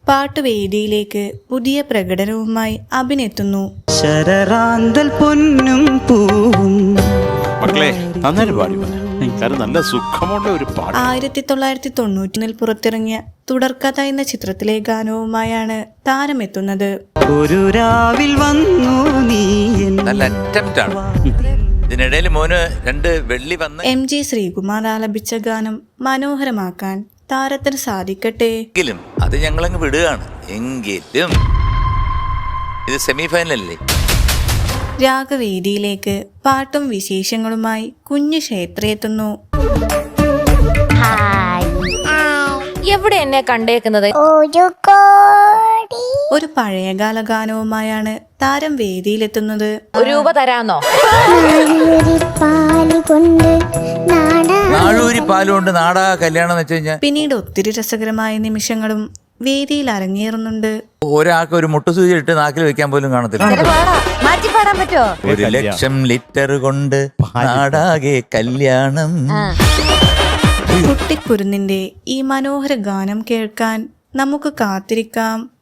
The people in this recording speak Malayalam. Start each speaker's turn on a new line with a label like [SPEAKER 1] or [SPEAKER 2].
[SPEAKER 1] പാട്ടുവേദിയിലേക്ക് പുതിയ പ്രകടനവുമായി അഭിനെത്തുന്നു.
[SPEAKER 2] ശരറാന്തൽ പൊന്നും പൂവും.
[SPEAKER 3] മക്കളെ നന്നായിട്ട് പാടി, നല്ല സുഖമുള്ള ഒരു പാട്ട്.
[SPEAKER 1] 1991 പുറത്തിറങ്ങിയ തുടർക്കഥ എന്ന ചിത്രത്തിലെ ഗാനവുമായാണ് താരമെത്തുന്നത്.
[SPEAKER 2] ഒരു രാവിൽ വന്നു നീ.
[SPEAKER 4] നല്ല അറ്റംപ്റ്റ് ആണ്. ഇതിനിടയിൽ മോന് 2 വെള്ളി വന്ന്
[SPEAKER 1] MG ശ്രീകുമാർ ആലപിച്ച ഗാനം മനോഹരമാക്കാൻ താരത്തിന് സാധിക്കട്ടെ.
[SPEAKER 4] എങ്കിലും അത് ഞങ്ങളങ്ങ് വിടുകയാണ്. എങ്കിലും ഇത് സെമി ഫൈനലല്ലേ.
[SPEAKER 1] രാഗവേദിയിലേക്ക് പാട്ടും വിശേഷങ്ങളുമായി കുഞ്ഞു ക്ഷേത്ര എത്തുന്നു.
[SPEAKER 5] എവിടെ എന്നെ കണ്ടേക്കുന്നത്?
[SPEAKER 1] ഒരു പഴയകാല ഗാനവുമായാണ് താരം വേദിയിലെത്തുന്നത്.
[SPEAKER 5] ₹1 തരാന്നോ?
[SPEAKER 4] നാളൂരി പാലുകൊണ്ട് നാടാ കല്യാണം എന്ന് വെച്ച് കഴിഞ്ഞാൽ
[SPEAKER 1] പിന്നീട് ഒത്തിരി രസകരമായ നിമിഷങ്ങളും വേദിയിൽ അരങ്ങേറുന്നുണ്ട്.
[SPEAKER 4] ഒരാൾക്ക് ഒരു മുട്ടുസൂചി ഇട്ട് നാക്കിൽ വെക്കാൻ പോലും കാണത്തില്ല.
[SPEAKER 5] മാറ്റി പാടാൻ പറ്റോ?
[SPEAKER 4] 1,00,000 ലിറ്റർ കൊണ്ട് നാടാകെ കല്യാണം.
[SPEAKER 1] കുട്ടിക്കുരുന്നിന്റെ ഈ മനോഹര ഗാനം കേൾക്കാൻ നമുക്ക് കാത്തിരിക്കാം.